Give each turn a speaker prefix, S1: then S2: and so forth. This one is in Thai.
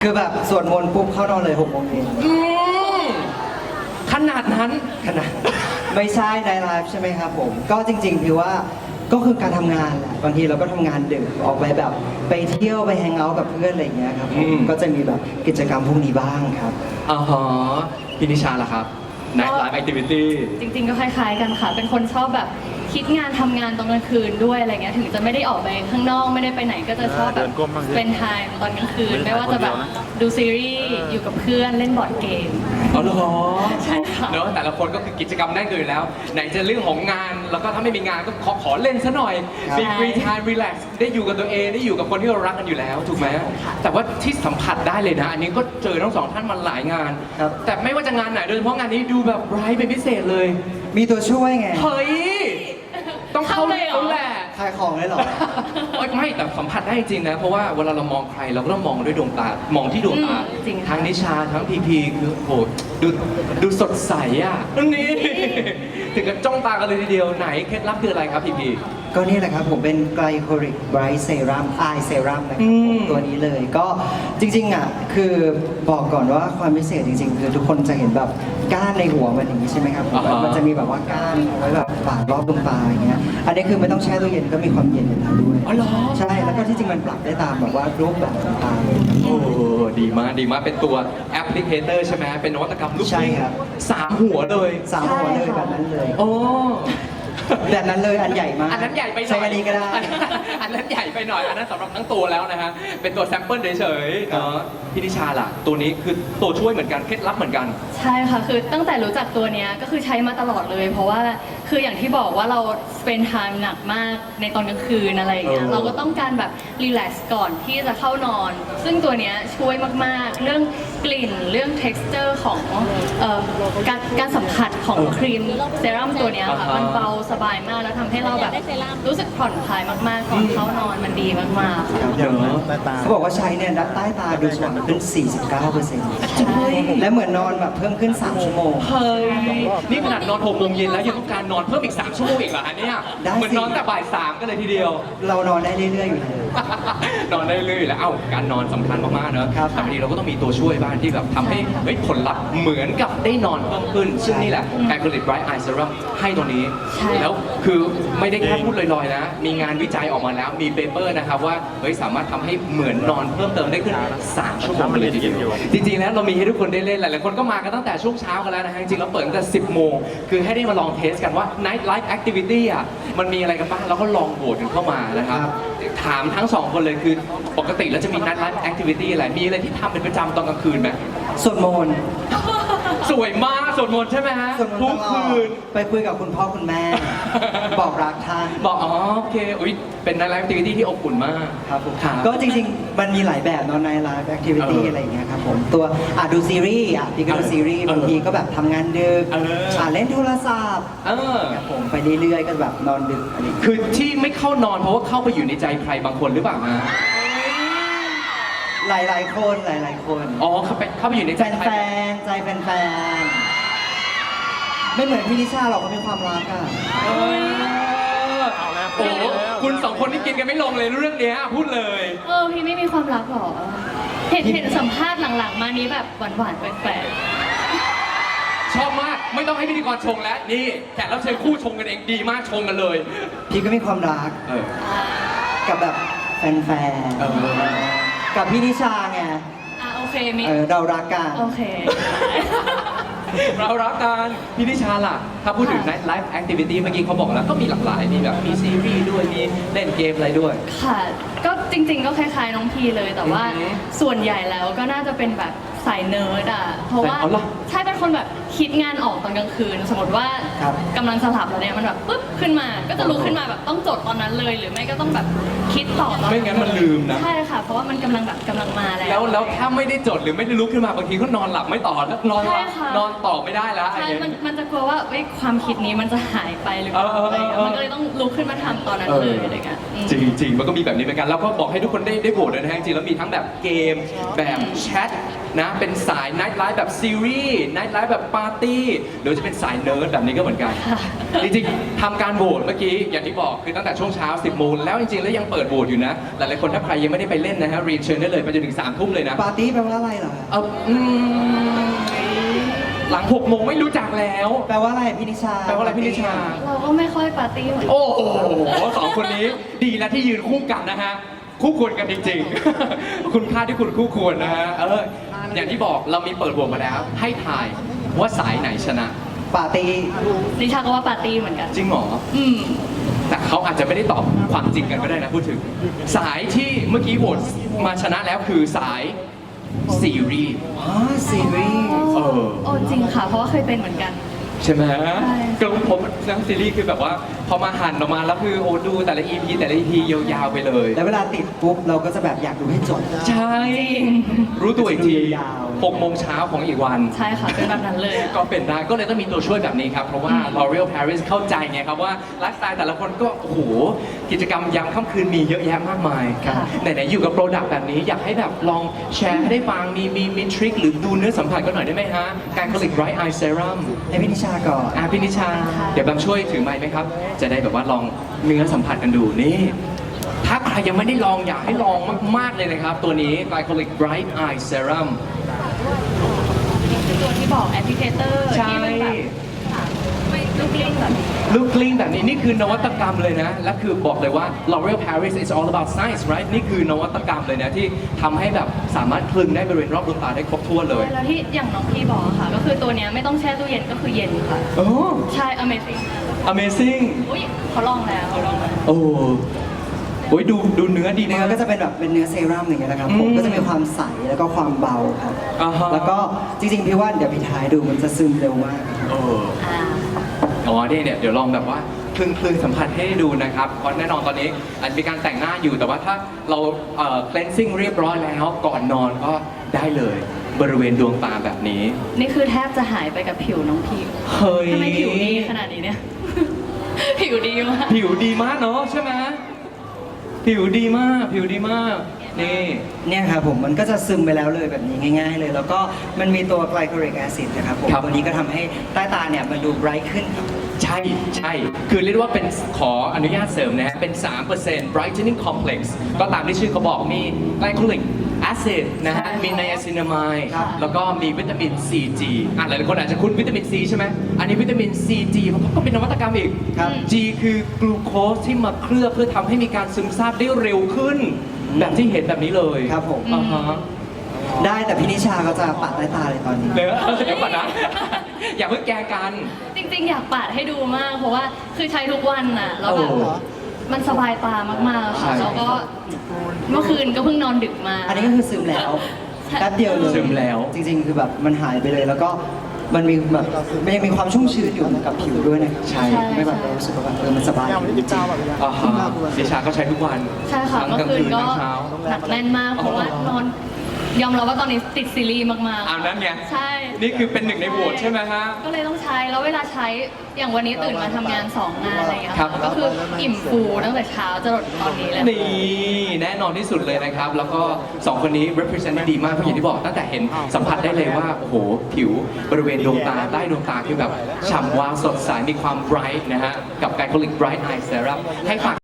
S1: คือแบบสวดมนต์ปุ๊บเข้านอนเลย6 โมงเย็น
S2: ขนาดนั้น
S1: ขนาดไม่ใช่ในไลฟ์ใช่ไหมครับผมก็จริงๆพี่ว่าก็คือการทำงานแหละบางทีเราก็ทำงานดึกออกไปแบบไปเที่ยวไปแฮงเอาท์กับเพื่อนอะไรอย่างเงี้ยครับผมก็จะมีแบบกิจกรรมพวกนี้บ้างครับ
S2: อ๋อฮะพี่นิชาล่ะครับ Night Life Activity
S3: จริงๆก็คล้ายๆกันค่ะ เป็นคนชอบแบบคิดงานทำงานตอนกลางคืนด้วยอะไรเงี้ย ถึงจะไม่ได้ออกไปข้างนอกไม่ได้ไปไหนก็จะชอบแบบเป็นไทม์ตอนกลางคืน ไม่ว่าจะแบบดูซีรีส์อยู่กับเพื่อนเล่นบอร์ดเกม
S2: อ๋อเหรอ
S3: ใช่ค่ะ
S2: เนอะแต่ละคนก็คือกิจกรรมแน่นเกินอยู่แล้ว ไหนจะเรื่องของงาน แล้วก็ถ้าไม่มีงานก็ขอเล่นซะหน่อย มีฟรีไทม์รีแลกซ์ได้อยู่กับตัวเองได้อยู่กับคนที่เรารักกันอยู่แล้วถูกไหมแต่ว่าที่สัมผัสได้เลยนะ อันนี้ก็เจอทั้งสองท่านมาหลายงาน แต่ไม่ว่าจะงานไหนโดยเฉพาะงานนี้ดูแบบไบรท์เป็นพิเศษเลย
S1: มีตัวช่วยไง
S2: เฮ้ยต้องเข้าเลยแหละ
S1: ขายของเลยเหรอ
S2: ไม่แต่สัมผัสได้จริงนะเพราะว่าเวลาเรามองใครเราก็ต้องมองด้วยดวงตามองที่ดวงตาทั้งนิชาทั้งพีพีคือโหดูสดใสอ่ะนี่ถึงกับจ้องตากันเลยทีเดียวไหนเคล็ดลับคืออะไรครับพีพี
S1: ก็นี่แหละครับผมเป็นไกลโคลิกไบรท์เซรั่มไอเซรั่มนะครับผมตัวนี้เลยก็จริงๆอ่ะคือบอกก่อนว่าความพิเศษจริงๆคือทุกคนจะเห็นแบบก้านในหัวมันอย่างนี้ใช่ไหมครับมันจะมีแบบว่าก้านเอาไว้แบบปาดรอบดวงตาอย่างเงี้ยอันนี้คือไม่ต้องแช่ตู้เย็นก็มีความเย็นอยู่แล้วด้วย
S2: อ๋อเหรอ
S1: ใช่แล้วก็ที่จริงมันปรับได้ตามแบบว่ารูปแบบต่าง
S2: ๆโอ้ดีมากเป็นตัวแอปพลิเคเตอร์ใช่ไหมเป็นนวัตกรรมลูก
S1: ใช่ครับ
S2: 3 หัวเลย
S1: 3 หัวเลยแบบนั้นเลย
S2: โอ้
S1: แบบนั้นเลยอันใหญ่มาก
S2: อันนั้นใหญ่ไปหน่อย
S1: ใช้อันนี้ก็ได้
S2: อันนั้นใหญ่ไปหน่อยอันนั้นสำหรับทั้งตัวแล้วนะฮะเป็นตัวแซมเปิลเฉยๆเนาะพี่นิชาล่ะตัวนี้คือตัวช่วยเหมือนกันเคล็ดลับเหมือนกัน
S3: ใช่ค่ะคือตั้งแต่รู้จักตัวเนี้ยก็คือใช้มาตลอดเลย เพราะว่าคืออย่างที่บอกว่าเราเป็นไทม์หนักมากในตอนกลางคืนอะไรอย่างเงี้ยเราก็ต้องการแบบรีแลกซ์ก่อนที่จะเข้านอน ซึ่งตัวเนี้ยช่วยมากๆเรื่องกลิ่นเรื่อง texture ของการสัมผัสของครีมเซรั่มตัวเนี้ยค่ะมันเบาสบายมากแล้วทำให้เราแบบรู้สึกผ่อนคลายมากๆก่อนเข้านอนมันดีมากๆค่ะ
S1: เขาบอกว่าใช้เนี่ยใต้ตาดูสว่างขึ้น 49%และเหมือนนอนแบบเพิ่มขึ้น3 ชั่วโมง
S2: เฮ้ยนี่ขนาดนอน6 โมงเย็นแล้วยังต้องการนอนเพิ่มอีก3 ชั่วโมงอีกเหรอฮะเนี่ยเหมือนนอนแต่บ่าย 3กันเลยทีเดียว
S1: เรานอนได้เรื่อยๆอยู่แล้ว
S2: นอนได้เรื่อยๆแล้วการนอนสำคัญมากๆเนอะแต่บางทีเราก็ต้องมีตัวช่วยบ้างที่แบบทำให้ผลลัพธ์เหมือนกับได้นอนเพิ่มขึ้นซึ่งนี่แหละ Acrylic Bright Eye Serum ให้ตัวนี้แล้วคือไม่ได้แค่พูดลอยๆนะมีงานวิจัยออกมาแล้วมีเปเปอร์นะครับว่าสามารถทำให้เหมือนนอนเพิ่มเติมได้ขึ้น3 ชั่วโมงเลยทีเดียวจริงๆแล้วเรามีให้ทุกคนได้เล่นหลายๆคนก็มากันตั้งแต่ช่วงเช้ากันแล้วนะฮะจริงๆเราเปิดตั้งแต่10 โมงคือให้ได้มาลองเทสกันว่า Night Life Activity อ่ะมันมีอะไรกันบ้างแล้วก็ลองโหวตกันเข้ามานะครับถามทั้ง2 คนเลยคือปกติแล้วจะมี Night Life Activity อะไรมีอะไรที่ทำเป็นประจำตอนกลางคืนไหม
S1: สวดมนต์
S2: สวยมากสวดมนต์ใช่ไหมฮะทุกคืน
S1: ไปคุยกับคุณพ่อคุณแม่ บอกรักท่าน
S2: บอกอ๋อโอเคอุ๊ยเป็น Night Life Activity ที่อบอุ่นมาก
S1: ครับผมก็จริงๆมันมีหลายแบบเนาะ Night Life Activity อะไรอย่างเงี้ยครับผมตัวดูซีรีส์พี่ก็ดูซีรีส์บางทีก็แบบทำงานดึกเล่นโทรศัพท์ครับผมไปเรื่อยๆก็แบบนอนดึกอะไร
S2: คือที่ไม่เข้านอนเพราะว่าเข้าไปอยู่ในใจใครบางคนหรือเปล่าฮะ
S1: หลายๆคน
S2: อ๋อเข้าไปอยู่ในใจ
S1: แฟนใจแฟนไม่เหมือนพี่นิชาหรอกเขามีความรักอ่ะ
S2: โอ้คุณ2 คนนี่กินกันไม่ลงเลยเรื่องนี้พูดเลย
S3: พี่ไม่มีความรักหรอเห็นสัมภาษณ์หลังๆมานี้แบบหวานๆแปลก
S2: ๆชอบมากไม่ต้องให้พิธีกรชงแล้วนี่แขกรับเชิญคู่ชงกันเองดีมากชงกันเลย
S1: พี่ก็มีความรักกับแบบแฟนกับพี่นิชาไง
S3: โอเคมี
S1: เรารักกัน
S3: โอเค
S2: เรารักกันพี่นิชาล่ะถ้าพูดถึง Night Life Activity เมื่อกี้เขาบอกแล้วก็มีหลากหลายมีแบบมีซีรีส์ด้วยมีเล่นเกมอะไรด้วย
S3: ค่ะก็จริงๆก็คล้ายๆน้องพีเลยแต่ว่าส่วนใหญ่แล้วก็น่าจะเป็นแบบสายเนิร์ดเพราะว่าใช่เป็นคนแบบคิดงานออกตอนกลางคืนสมมติว่ากำลังสลับแล้วเนี่ยมันแบบปุ๊บขึ้นมาก็จะลุกขึ้นมาแบบต้องจดตอนนั้นเลยหรือไม่ก็ต้องแบบคิดต่อตอน
S2: ไม่งั้นมันลืมนะ
S3: ใช่ค่ะเพราะว่ามันกำลังมา
S2: แล้วถ้าไม่ได้จดหรือไม่ได้ลุกขึ้นมาบางทีก็นอนหลับไม่ต่อแล้วนอนต่อไม่ได้แล้ว
S3: ใช่มันจะกลัวว่าความคิดนี้มันจะหายไปหรือเปล่าอะไรเงี้ยมันก็เลยต้องลุกขึ้นมาทำตอนนั้นเลยอะไรเงี้ย
S2: จริงๆมันก็มีแบบนี้เหมือนกันแล้วก็บอกให้ทุกคนได้โหวตเลยนะฮะจริงๆแล้วมีทั้งแบบเกมแบบแชทนะเป็นสาย Night Life แบบซีรีส์ Night Life แบบปาร์ตี้หรือจะเป็นสายเนิร์ดแบบนี้ก็เหมือนกัน จริงๆทำการโหวตเมื่อกี้อย่างที่บอกคือตั้งแต่ช่วงเช้า 10 โมงแล้วจริงๆแล้วยังเปิดโหวตอยู่นะหลายๆคนถ้าใครยังไม่ได้ไปเล่นนะฮะเรียนเชิญได้เลยไปจนถึง 3 ทุ่มเลยนะ
S1: ปาร์ตี้แปลว่าอะไรเหรอ
S2: หลัง 6 โมงไม่รู้จักแล้ว
S1: แปลว่าอะไรพี่นิชา
S2: แปลว่าอะไรพี่นิชา
S3: เราก็ไม่ค่อยปาร์ตี้เหมือนกัน
S2: โอ้โหสองคนนี้ดีแล้วที่ยืนคู่กันนะฮะ คู่ควรกันจริงๆ คุณค่าที่คุณคู่ควรนะฮะ อย่างที่บอกเรามีเปิดโหวตมาแล้ว ให้ทายว่าสายไหนชนะ
S1: ปาร์ตี้
S3: นิชาก็ว่าปาร์ตี้เหมือนกัน
S2: จริงเหรอ
S3: อืม
S2: แต่เขาอาจจะไม่ได้ตอบความจริงกันก็ได้นะพูดถึง สายที่เมื่อกี้โหวตมาชนะแล้วคือสายซีรีส์
S1: อ๋อซีรีส์
S3: โอ้จริงค่ะ เพราะว่าเคยเป็นเหมือนกัน
S2: ใช่ไหม
S3: ใช่
S2: ก็ผมทั้งซีรีส์คือแบบว่าพอมาหั่นออกมาแล้วคือโอ้ดูแต่ละ EP แต่ละ EP ยาวๆไปเลย
S1: แล้วเวลาติดปุ๊บเราก็จะแบบอยากดูให้จบ
S2: ใช่ รู้ตัวอีกที
S1: ยาว
S2: 6 โมงเช้าของอีกวัน
S3: ใช่ค่ะ เป็นแบบนั้นเลยอะ
S2: ก็เป็นได้ ก็เลยต้องมีตัวช่วยแบบนี้ครับ เพราะว่า L'Oreal Paris เข้าใจไงครับว่าไลฟ์สไตล์แต่ละคนก็ โอ้โห กิจกรรมยามค่ำคืนมีเยอะแยะมากมาย
S3: ค่ะ
S2: ไหนๆอยู่กับโปรดักต์แบบนี้อยากให้แบบลองแชร์ให้ได้ฟัง มีทริคหรือดูเนื้อสัมผัสกันหน่อยได้ไหมฮะ การผลิต Bright Eye Serum
S1: ให้พี่นิชาก่อน
S2: พี่นิชา เดี๋ยวแบมช่วยถือไมค์ไหมครับ จะได้แบบว่าลองเนื้อสัมผัสกันดูนี่ ถ้าใครยังไม่ได้ลองอยากให้ลองมากๆเลยนะครับ ตัวนี้ Glycolic Bright Eye Serum
S3: คือตัวที่บอกแอปพลิเคเตอร์
S2: ใช่
S3: ที่มันแบบไม่ลูกเล่นแบบนี้
S2: ลูกกลิ้งแบบนี้นี่คือนวัตกรรมเลยนะ และคือบอกเลยว่า L'Oreal Paris is all about science right นี่คือนวัตกรรมเลยนะที่ทำให้แบบสามารถคลึงได้บริเวณรอบดวงตาได้ครบถ้วนเลย
S3: แล้วที่อย่างน้องพี่บอกอะค่ะ ก็คือตัวเนี้ยไม่ต้องแช่ตู้เย็นก็คือเย็นค่ะ
S2: โอ้
S3: ใช่ Amazing มาก
S2: Amazing
S3: อุ้ยเขาลองแล้วเขาลองแล้ว
S2: โอ้โอ้ยดูเนื้อดี
S1: เนื้
S2: มา
S1: อก ก็จะเป็นแบบเป็นเนื้อเซรั่มอย่างเงี้ยนะครับผม
S2: อืม
S1: ก็จะมีความใสแล้วก็ความเบาครับ
S2: อ่าฮะ
S1: แล้วก็จริงๆพี่ว่าเดี๋ยวพี่ท้ายดูมันจะซึมเร็วมากครับ
S2: เออ
S3: อ่า
S2: อ๋อเนี่ยเดี๋ยวลองแบบว่าคลึงสัมผัสให้ดูนะครับ เพราะแน่นอนตอนนี้อาจจะมีการแต่งหน้าอยู่แต่ว่าถ้าเราcleansing เรียบร้อยแล้วก่อนนอนก็ได้เลยบริเวณดวงตาแบบนี้
S3: นี่คือแทบจะหายไปกับผิวน้องพี่
S2: เฮ้ย
S3: ทำไมผิวดีขนาดนี้เนี่ย ผิวดีมาก
S2: ผิวดีมากเนาะใช่ไหมผิวดีมากนี่
S1: เนี่ยครับผมมันก็จะซึมไปแล้วเลยแบบนี้ง่ายๆเลย แล้วก็มันมีตัวไกลโคลิกแอซิดนะครับผม
S2: ครับ
S1: ตัวนี้ก็ทำให้ใต้ตาเนี่ยมันดูไบรท์ขึ้นครับ
S2: ใช่คือเรียกว่าเป็นขออนุญาตเสริมนะฮะเป็น 3% brightening complex ก็ตามที่ชื่อเขาบอกมี glycolic acid นะฮะ
S3: ใช่
S2: มี niacinamide
S1: ครับ
S2: แล้วก็มีวิตามิน CG หลายๆคนอาจจะคุ้นวิตามิน C ใช่ไหมอันนี้วิตามิน CG มันก็เป็นนวัตกรรมอีก
S1: ครับ
S2: G คือกลูโคสที่มาเคลือบเพื่อทำให้มีการซึมซาบได้เร็วขึ้น แบบที่เห็นแบบนี้เลย
S1: ครับผม
S2: อ่าฮะ
S1: ได้แต่พี่นิชาเขาจะปาดใต้ตาเลยตอนนี้
S2: เดี๋ยวก่อนนะ อย่าเพิ่งแกล้งกัน
S3: จริงๆ อยากปาดให้ดูมาก เพราะว่าคือใช้ทุกวันน่ะแล้วแบบ
S2: โอ้
S3: มันสบายตามากๆ
S2: ใช่
S3: ค่ะแล้วก็เมื่อคืนก็เพิ่งนอนดึกมา
S1: อันนี้ก็คือซึมแล้วแป๊บเดียวเลย
S2: ซึมแล้ว
S1: จริงๆ คือแบบมันหายไปเลยแล้วก็มันมีแบบมันยังมีความชุ่มชื้นอยู่กับผิวด้วยนะครับ
S2: ใช่
S1: ไม่แบบรู้สึกว่าแบบมันสบายจริงๆ
S2: อ่าฮะดิชาก็ใช้ทุกวัน
S3: ใช่ค่ะ
S2: ทั้ง
S3: เมื่อก
S2: ลาง
S3: คืน
S2: คืน
S3: ก็
S2: ทั้งเช้า
S3: หนักแน่นมาก เพราะว่านอนยอมรับว่าตอนนี้ติดซีรีส์มาก
S2: เอานั้นไง
S3: ๆ ใช่
S2: นี่คือเป็นหนึ่งในโหวตใช่ไหมฮะ
S3: ก็เลยต้องใช้ แล้วเวลาใช้ อย่างวันนี้ตื่นมาทำงาน 2 งานอะไรอย่างเงี้ย
S2: ครับ
S3: ก็คืออิ่มฟูตั้งแต่เช้าจนตอนนี้เลย
S2: นี่แน่นอนที่สุดเลยนะครับ แล้วก็ 2 คนนี้ represent ได้ดีมากเพราะอย่างที่บอกตั้งแต่เห็นสัมผัสได้เลยว่า โอ้โห ผิวบริเวณดวงตาใต้ดวงตาคือแบบฉ่ำวาวสดใสมีความ bright นะฮะ กับ Glycolic Bright Eye Serum ให้ฝาก